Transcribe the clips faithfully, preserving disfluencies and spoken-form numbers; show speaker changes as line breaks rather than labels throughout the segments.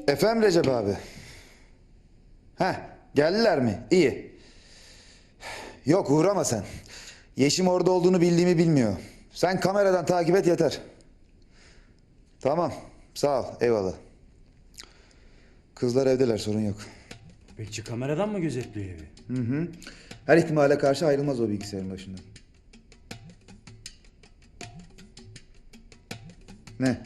Efendim Recep abi. Heh, geldiler mi? İyi. Yok uğrama sen. Yeşim orada olduğunu bildiğimi bilmiyor. Sen kameradan takip et yeter. Tamam, sağ ol, eyvallah. Kızlar evdeler, sorun yok.
Bekçi kameradan mı gözetliyor evi?
Hı hı. Her ihtimale karşı ayrılmaz o bilgisayarın başından. Ne?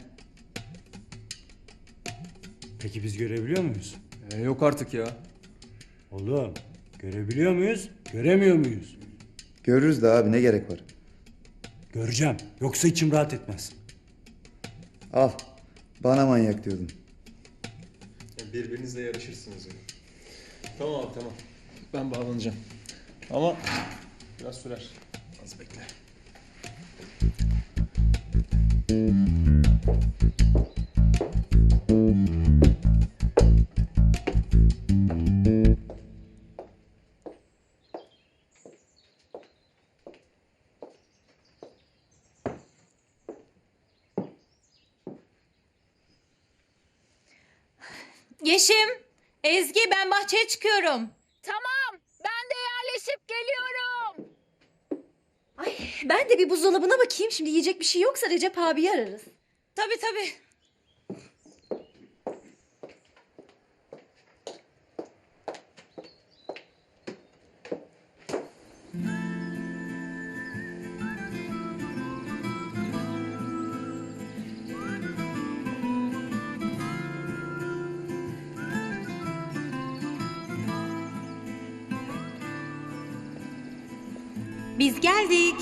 Peki biz görebiliyor muyuz?
Ee, yok artık ya.
Oğlum, görebiliyor muyuz, göremiyor muyuz?
Görürüz de abi, ne gerek var?
Göreceğim, yoksa içim rahat etmez.
Al, bana manyak diyordun.
Birbirinizle yarışırsınız yani. Tamam abi tamam. Ben bağlanacağım. Ama biraz sürer. Az bekle.
Yeşim, Ezgi ben bahçeye çıkıyorum.
Tamam, ben de yerleşip geliyorum.
Ay ben de bir buzdolabına bakayım. Şimdi yiyecek bir şey yoksa Recep abiyi ararız. Tabii tabii. Biz geldik.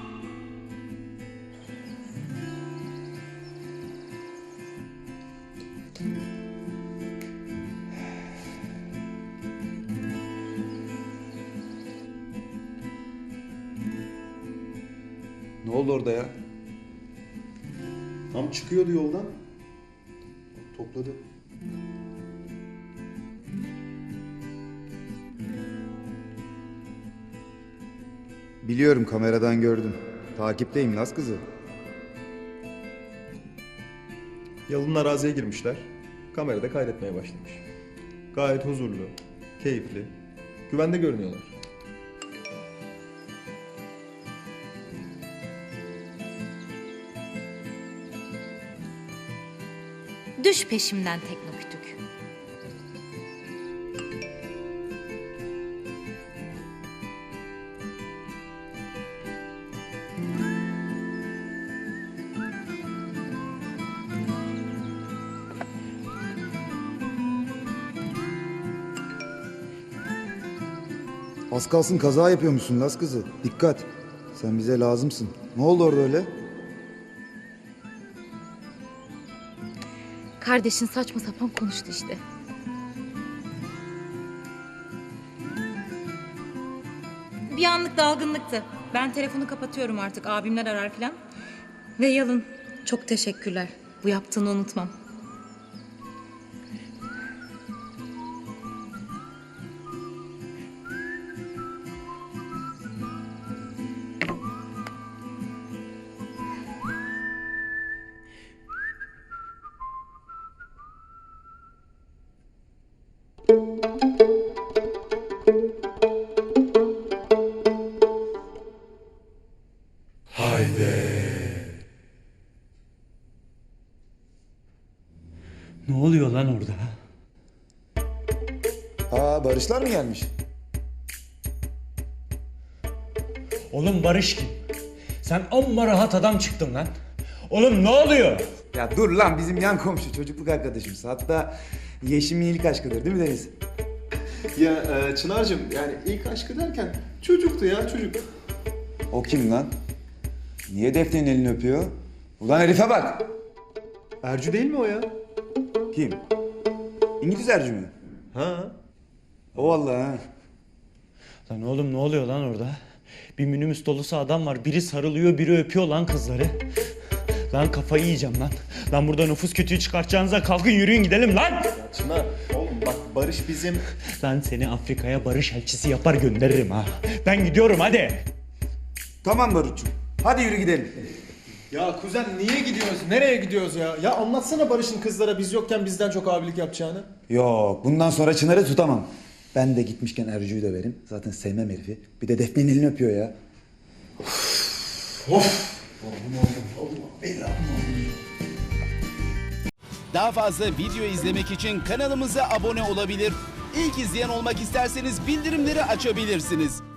Ne oldu orada ya?
Tam çıkıyordu yoldan. Topladı.
Biliyorum, kameradan gördüm. Takipteyim Laz kızı.
Yalın araziye girmişler. Kamerada kaydetmeye başlamış. Gayet huzurlu, keyifli, güvende görünüyorlar.
Düş peşimden teknokütük.
Az kalsın kaza yapıyormuşsun Laz kızı. Dikkat. Sen bize lazımsın. Ne oldu orada öyle?
Kardeşin saçma sapan konuştu işte. Bir anlık dalgınlıktı. Ben telefonu kapatıyorum artık. Abimler arar filan. Ve Yalın, çok teşekkürler. Bu yaptığını unutmam.
Ne oluyor lan orada?
Aa, Barışlar mı gelmiş?
Oğlum Barış kim? Sen amma rahat adam çıktın lan. Oğlum ne oluyor?
Ya dur lan, bizim yan komşu, çocukluk arkadaşımız. Hatta Yeşim'in ilk aşkıdır değil mi Deniz?
Ya e, Çınar'cığım yani ilk aşkı derken çocuktu ya çocuk.
O kim lan? Niye Defne'nin elini öpüyor? Ulan herife bak!
Ercü değil mi o ya?
Kim? İngiliz Ercü mü?
Ha.
O vallahi ha.
Lan oğlum ne oluyor lan orada? Bir minibüs dolusu adam var. Biri sarılıyor, biri öpüyor lan kızları. Lan kafayı yiyeceğim lan. Lan burada nüfus kötüyü çıkartacağınıza kalkın yürüyün gidelim lan.
Ya Çınar oğlum bak Barış bizim...
Lan seni Afrika'ya barış elçisi yapar gönderirim ha. Ben gidiyorum hadi.
Tamam Barutçum. Hadi yürü gidelim.
Ya kuzen niye gidiyoruz? Nereye gidiyoruz ya? Ya anlatsana Barış'ın kızlara biz yokken bizden çok abilik yapacağını.
Yok bundan sonra Çınar'ı tutamam. Ben de gitmişken Ercü'yü de verim. Zaten sevmem herifi. Bir de Defne'nin elini öpüyor ya.
Daha fazla video izlemek için kanalımıza abone olabilir. İlk izleyen olmak isterseniz bildirimleri açabilirsiniz.